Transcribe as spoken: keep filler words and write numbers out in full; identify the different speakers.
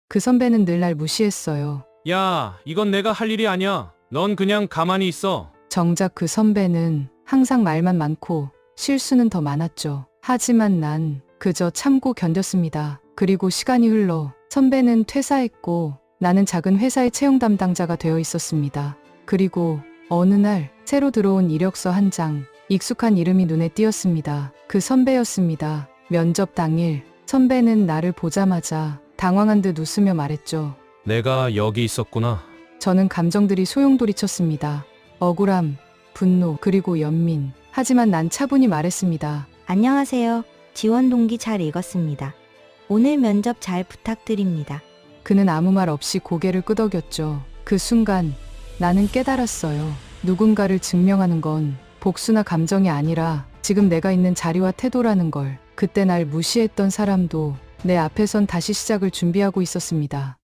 Speaker 1: 그 선배는 늘 날 무시했어요.
Speaker 2: 야, 이건 내가 할 일이 아니야. 넌 그냥 가만히 있어.
Speaker 1: 정작 그 선배는 항상 말만 많고 실수는 더 많았죠. 하지만 난 그저 참고 견뎠습니다. 그리고 시간이 흘러 선배는 퇴사했고 나는 작은 회사의 채용 담당자가 되어 있었습니다. 그리고 어느 날 새로 들어온 이력서 한 장, 익숙한 이름이 눈에 띄었습니다. 그 선배였습니다. 면접 당일 선배는 나를 보자마자 당황한 듯 웃으며 말했죠.
Speaker 2: 내가 여기 있었구나.
Speaker 1: 저는 감정들이 소용돌이쳤습니다. 억울함, 분노, 그리고 연민. 하지만 난 차분히 말했습니다.
Speaker 3: 안녕하세요. 지원 동기 잘 읽었습니다. 오늘 면접 잘 부탁드립니다.
Speaker 1: 그는 아무 말 없이 고개를 끄덕였죠. 그 순간 나는 깨달았어요. 누군가를 증명하는 건 복수나 감정이 아니라 지금 내가 있는 자리와 태도라는 걸. 그때 날 무시했던 사람도 내 앞에선 다시 시작을 준비하고 있었습니다.